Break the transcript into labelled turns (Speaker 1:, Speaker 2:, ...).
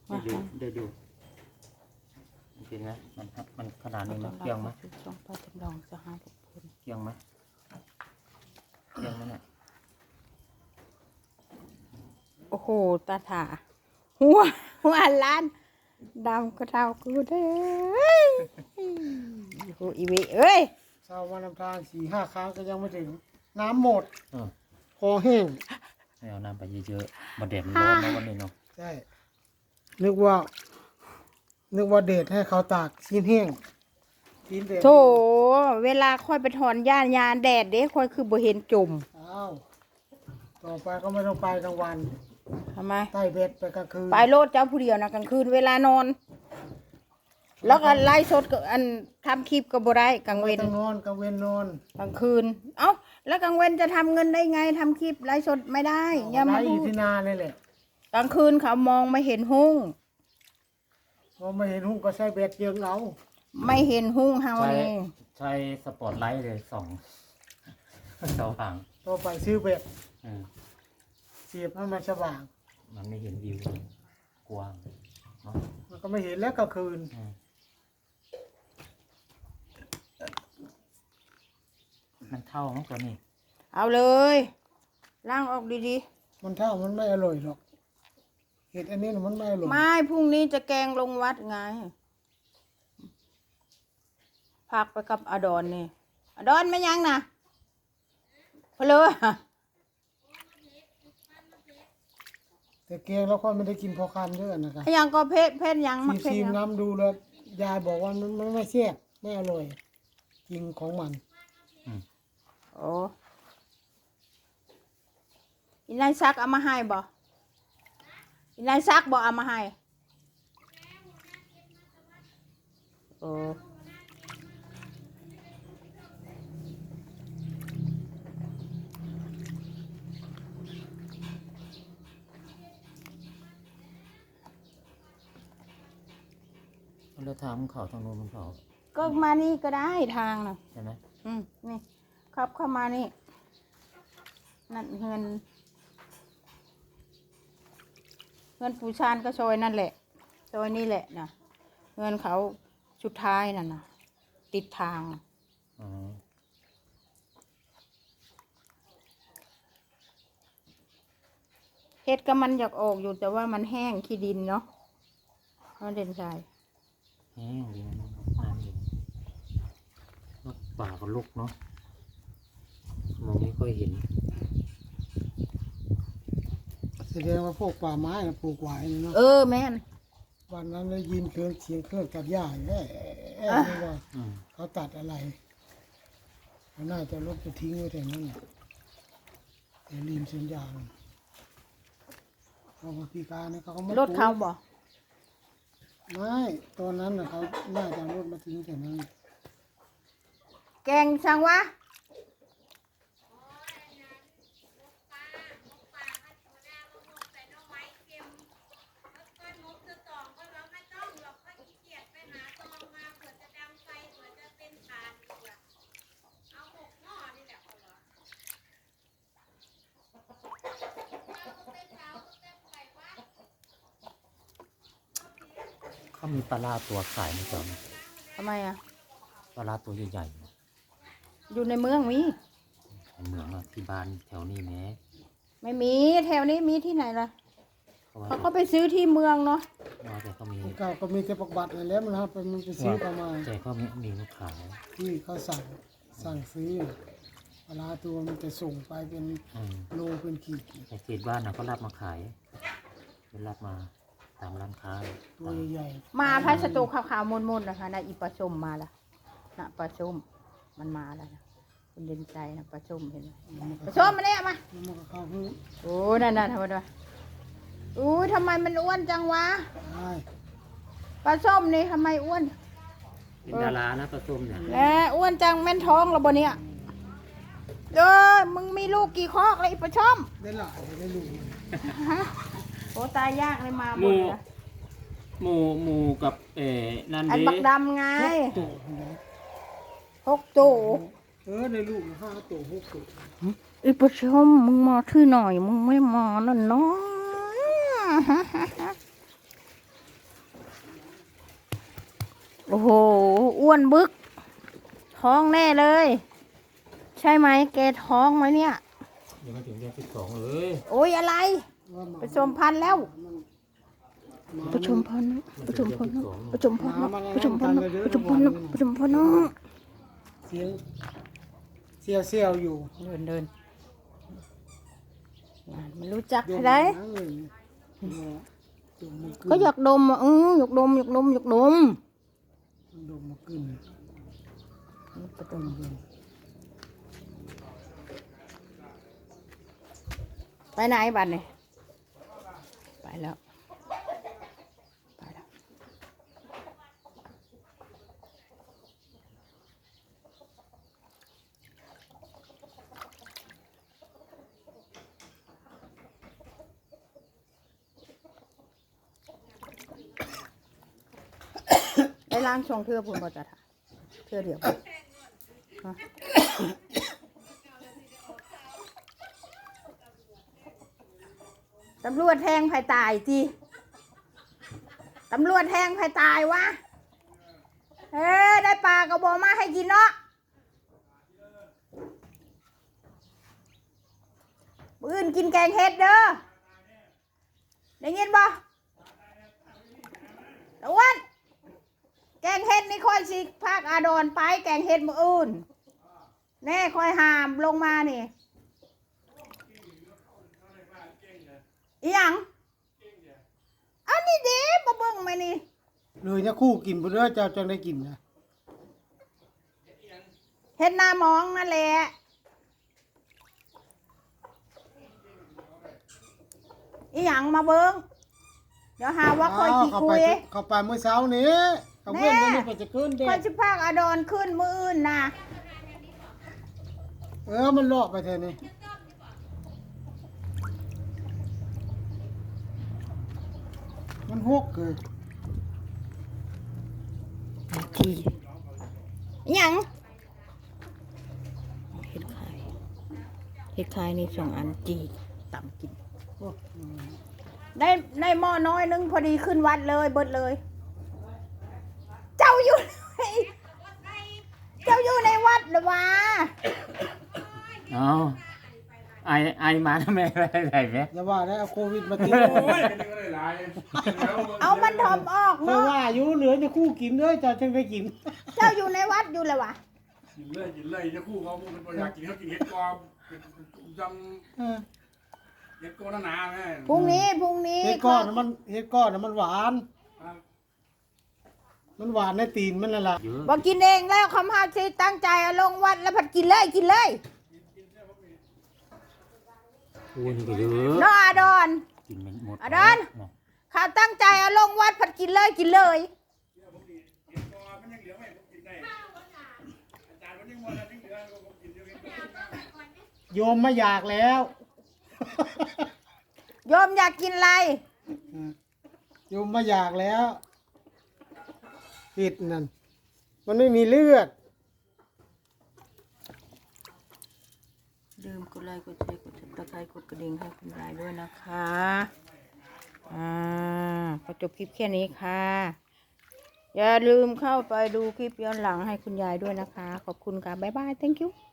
Speaker 1: เดี๋ยวดูจริงไหมมันขนาดนี้มันเกี่ยงไหม
Speaker 2: ช่องป้าจำลองจะหาทุกคน
Speaker 1: เกี่ยงไหมเนี่ย
Speaker 2: โอ้โหตาถาหัวล้านดำก็เท่ากูเด้อโอ้อีเวเอ้ย
Speaker 3: เช้าวันน้ำทาง4-5 ครั้งก็ยังไม่ถึงน้ำหมด
Speaker 1: เออ
Speaker 3: คอแห้ง
Speaker 1: ให้เอาน้ำไปเยอะๆมาแดดมันร้อนนะวันนี้เนาะ
Speaker 3: ใช่นึกว่าเดทให้เขาตากชิ้นแห้งชิ้นเดท
Speaker 2: โถเวลาค่อยไปถอนหญ้ายาแดดเด้ค่อยคือบ่เห็นจุ่ม
Speaker 3: อ้าวต่อไปก็ไม่ต้องไปกลางวัน
Speaker 2: ทำไม
Speaker 3: ใต้เบ็ดไปกลางคืน
Speaker 2: ไปโลดเจ้าผู้เดียวนะกลางคืนเวลานอน แล้วก็ไล่สดกับอันทำคลิปก็บ่ได้กลางเว
Speaker 3: ไม่
Speaker 2: น
Speaker 3: ต้องนอนกลางเวนนอน
Speaker 2: กลางคืนเอ้าแล้วกลางเวรจะทำเงินได้ไงทำคลิปไลฟ์สดไม่ได้อย่า
Speaker 3: ไล่
Speaker 2: มา
Speaker 3: อ
Speaker 2: พู
Speaker 3: ยู่
Speaker 2: ด
Speaker 3: ที่นาเลยแหละ
Speaker 2: กลางคืนเขามองไม่เห็นหุ้ง
Speaker 3: พอไม่เห็นหุ้งก็ใช้เบ็ดเยิงเอา
Speaker 2: ไม่เห็นหุ้งเฮา
Speaker 1: ใช้
Speaker 2: นี่
Speaker 1: ใช้สปอตไลท์เลยส่องสว่าง
Speaker 3: ต่อไปซื้อเบ็ด
Speaker 1: อืม
Speaker 3: เสียบให้มันสว่าง
Speaker 1: มันไม่เห็นวิวกว้างเนาะ
Speaker 3: มันก็ไม่เห็นแล้วกลางคืน
Speaker 1: อืมมันเท่ามั้งตัวนี้
Speaker 2: เอาเลยล้างออกดี
Speaker 3: มันเท่ามันไม่อร่อยหรอกเห็ดอันนี้น่ะมันไม่อร่อย
Speaker 2: ๆไม่พรุ่งนี้จะแกงลงวัดไงพักไปกับอดอนนี่อดอนไม่ยังนะเพลอ
Speaker 3: แต่แกงแล้วค่อยไม่ได้กินพอคำเยอะนะครับ
Speaker 2: ยังก็เพศยังมักเพศ
Speaker 3: ชิม
Speaker 2: ยัง
Speaker 3: น้ำดูแล้วยายบอกว่ามันไม่แซ่บไม่อร่อยกินของมัน
Speaker 2: โอ้อีนายซักเอามาให้บ่อีนายซักบ่เอามาให้โอ้
Speaker 1: แล้วทางเขาทางโน้นมันเขา
Speaker 2: ก็มานี่ก็ได้ทางน่ะ
Speaker 1: ใช่ไหม
Speaker 2: นี่ครับเข้ามานี่นั่นเงินปูชานก็ซอยนั่นแหละซอยนี่แหละนะเงินเขาสุดท้ายนั่นนะติดทาง
Speaker 1: อ๋อ
Speaker 2: เฮ็ดก็มันอยากออกอยู่แต่ว่ามันแห้งขี้ดินเนาะเขาเด่นใจ
Speaker 1: แห้งดีนะน้ำดีนกป่าก็ลุกเนาะมองไม่ค่อยเห็น
Speaker 3: แสดงว่าพวกป่าไม้น่ะปลูกไว้นี่เนาะ
Speaker 2: แม่น
Speaker 3: วันนั้นได้ยินเสียงเครื่องตัดหญ้าอยู่นี่ว่า
Speaker 1: อืม
Speaker 3: เขาตัดอะไรเขาน่าจะลบไปทิ้งไว้แต่นั้นน่ะแต่ริมเส้นยางเขาพิการเนี่ยเขาก็ไม่
Speaker 2: รถเขาบ่
Speaker 3: ไม่ตอนนั้นน่ะเขาน่าจะเอารถมาทิ้งแต่นั้น
Speaker 2: แกงช่างวะ
Speaker 1: เขามีปลาร้าตัวขายไหมจ๊ะ
Speaker 2: ทำไมอ่ะ
Speaker 1: ปลาร้าตัวใหญ่ๆเนี่ย
Speaker 2: อยู่ในเมืองมี
Speaker 1: ในเมืองอะที่บ้านแถวนี้แม้
Speaker 2: ไม่มีแถวนี้มีที่ไหนล่ะ
Speaker 1: เขาว่า
Speaker 2: เขาก็ไปซื้อที่เมืองเนาะ
Speaker 1: แต่เขามี
Speaker 3: เก่าก็มีแต่ปักบัตรนั่นแหล้วมันครับมันไปซื้อประมาณ
Speaker 1: แต่เขามีมาขาย
Speaker 3: ที่เขาสั่งซื้อเวลาตัวมันจะส่งไปเป็น
Speaker 1: อืม
Speaker 3: โลเป็นขีด
Speaker 1: แต่เขตบ้านนะเขารับมาขายเป็นรับมาตามร้านค้า
Speaker 3: ตัวใหญ่
Speaker 2: มาพัสดุขาวๆมนๆนะคะนะอีปลาชมมาละนะปลาชมมันมาแล้วนะคุณเด่นใจนะปลาชมเห็นไหมปลาชมมาเนี่ยมา
Speaker 3: ๆมันก็เข้าหู
Speaker 2: โอ้นั่นทำไมวะอู้ทำไมมันอ้วนจังวะ
Speaker 3: ได้
Speaker 2: ปลาส้มนี่ทำไมอ้วน
Speaker 1: เป็นดารานะปลาส้มเนี่ย
Speaker 2: แล้วอ้วนจังแม่นท้องเราบ่เนี่ยมึงมีลูกกี่คอกเลยอีปลาส้ม
Speaker 3: ได้หลายได้ลูก
Speaker 2: โอ้ตายยากเลยมาห
Speaker 1: ห
Speaker 2: ม
Speaker 1: มู
Speaker 2: ดเลย
Speaker 1: หมูกับนั่น
Speaker 2: อัน
Speaker 1: ดิ
Speaker 2: บักดำไง
Speaker 3: ตัวนะ
Speaker 2: 6 ตัว
Speaker 3: ได้ลูก5 ตัว6 ตัว
Speaker 2: อีปลาส้มมึงมาที่หน่อยมึงไม่มานั่นเนาะโอ้โหอ้วนบึกท้องแน่เลย ใช่ไหมแกท้องไหมเนี่ย
Speaker 1: ยังไม่ถึงเดือน12เลย
Speaker 2: โอ้ยอะไร
Speaker 3: ว่าหมา
Speaker 2: ผสมพันธุ์แล้ว
Speaker 3: หมา
Speaker 2: ผสมพันธุ์ผสมพันธุ์ผสมพันธุ์ผสมพันธุ์ผสม
Speaker 3: ห
Speaker 2: พัน
Speaker 3: มา
Speaker 2: ธุ์
Speaker 3: มัน
Speaker 2: ผสมพันธุ์
Speaker 3: เสียงเสียวอยู่
Speaker 2: เดินมันรู้จัก
Speaker 3: ดม
Speaker 2: ใคร
Speaker 3: นั่งเลยดมมันขึ้น
Speaker 2: ก็อยากดมอ่ะอยากดมอยากดมอยากดม
Speaker 3: ดมมันขึ้น
Speaker 2: ไปไหนบัดเนี่ยไปแล้วไปแล้วได้ล้างช่องเทือพุ่นบ่จ้ะท่าเทือเดียวฮะตำรวจแทงไผ่ตายจีตำรวจแทงไผ่ตายวะเฮ้ได้ปลากระบอกมาให้กินเนาะมื้ออื่นกินแกงเห็ดเด้อได้ยินบ่ตะวันแกงเห็ดนี่ค่อยสิภาคอาดอนไปแกงเห็ดมื้ออื่นแน่ค่อยหามลงมานี่อีหยังอันนี้เด้มาเบิ่งไหมนี่
Speaker 3: เลยเนี่ยคู่กินบ่เด้อเจ้าจังได้กินนะ
Speaker 2: เห็ดหน้ามองนั่นแหละอีหยังมาเบิ่งเดี๋ยวหาว่าค่อยขี้
Speaker 3: เข้า
Speaker 2: คุ
Speaker 3: ไป
Speaker 2: ย
Speaker 3: เข้าไปเมื่อเช้านี้เอาเพื่อน
Speaker 2: แน่
Speaker 3: กันนี่ไปจะขึ้นเด็
Speaker 2: ค่อยสิพากอาดอนขึ้นมื้ออื่นน่ะ
Speaker 3: มันเลาะไปแทนนี่มันหกเลย
Speaker 2: ทีอีหยังเห็ดไข่เห็ดไข่นี่2 อันจีต่ำกิน
Speaker 3: โอ้
Speaker 2: ได้หม้อน้อยนึงพอดีขึ้นวัดเลยเบิดเลย เจ้าอยู่ในเจ้าอยู่ในวัดหรือวะ
Speaker 1: เอาไอมาทำไมอะไรไหม
Speaker 3: อย่าว่าได้เอาโควิดมาติด
Speaker 2: เอามันถมออก
Speaker 3: เพราะ
Speaker 2: เนาะ
Speaker 3: ว่าอยู่เหลือจะคู่กินเด้อเจ้าจังได้กิน
Speaker 2: เจ้าอยู่ในวัดอยู่เลยวะ
Speaker 4: กินเลยจะคู่เขาเป็นตัวอยากกินเขากินเห็ดกอบจำเห็ดกอหนาๆแม่
Speaker 2: พรุ่งนี้
Speaker 3: เฮ็ดก้อนน่ะมันหวาน มันหวานในตีนมันนั่นล่ะ
Speaker 1: เยอะ
Speaker 2: บอกกินเองแล้วคำห้าชีตั้งใจเอาลงวัดแล้วผัดกินเลยกินเลย
Speaker 1: อ้วนก็เยอะ
Speaker 2: เนาะอาดอน
Speaker 1: กินไม่หมด
Speaker 2: อาดอน ข้าตั้งใจเอาลงวัดผัดกินเลยกินเลย
Speaker 3: โยมไม่อยากแล้ว
Speaker 2: โยมอยากกินอะไร
Speaker 3: โยมไม่อยากแล้วผิดนั่นมันไม่มีเลือด
Speaker 2: ลืมกดไลค์กดแชร์กดติดตามกดกระดิ่งให้คุณยายด้วยนะคะพอจบคลิปแค่นี้ค่ะ อย่าลืมเข้าไปดูคลิปย้อนหลังให้คุณยายด้วยนะคะ ขอบคุณค่ะ บ๊ายบาย thank you